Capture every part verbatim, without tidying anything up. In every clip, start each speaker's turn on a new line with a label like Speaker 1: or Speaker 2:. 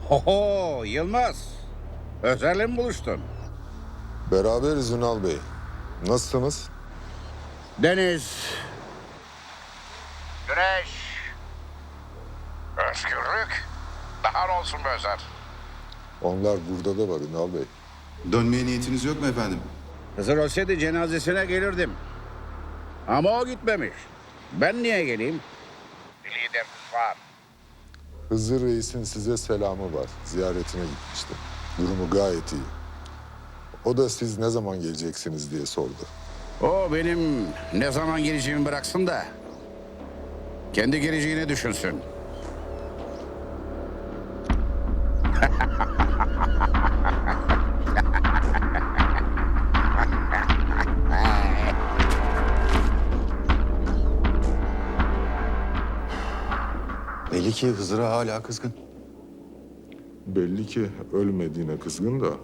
Speaker 1: Oho Yılmaz. Özer'le mi buluştun?
Speaker 2: Beraberiz Ünal Bey. Nasılsınız?
Speaker 1: Deniz. Güneş. Özgürlük. Daha ne olsun be Özer?
Speaker 2: Onlar burada da var Ünal Bey.
Speaker 3: Dönmeye niyetiniz yok mu efendim?
Speaker 1: Hızır olsaydı cenazesine gelirdim. Ama o gitmemiş. Ben niye geleyim? Liderimiz var.
Speaker 2: Hızır Reis'in size selamı var. Ziyaretine gitmişti. Durumu gayet iyi. O da siz ne zaman geleceksiniz diye sordu.
Speaker 1: O benim ne zaman geleceğimi bıraksın da kendi geleceğini düşünsün.
Speaker 3: Belli ki Hızır'a hala kızgın.
Speaker 2: Belli ki ölmediğine kızgın da...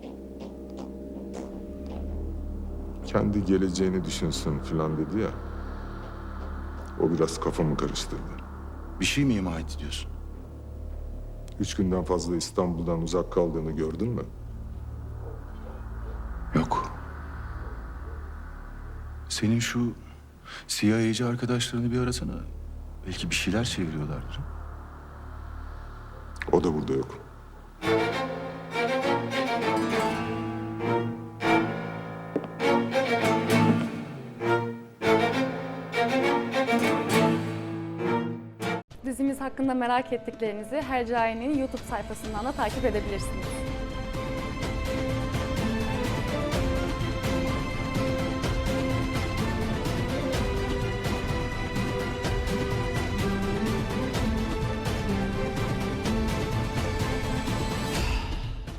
Speaker 2: kendi geleceğini düşünsün falan dedi ya. O biraz kafamı karıştırdı.
Speaker 3: Bir şey mi ima etti diyorsun?
Speaker 2: Üç günden fazla İstanbul'dan uzak kaldığını gördün mü?
Speaker 3: Yok. Senin şu C I A'cı arkadaşlarını bir arasana. Belki bir şeyler çeviriyorlardır.
Speaker 2: O da burada yok.
Speaker 4: Dizimiz hakkında merak ettiklerinizi Hercai'nin YouTube sayfasından da takip edebilirsiniz.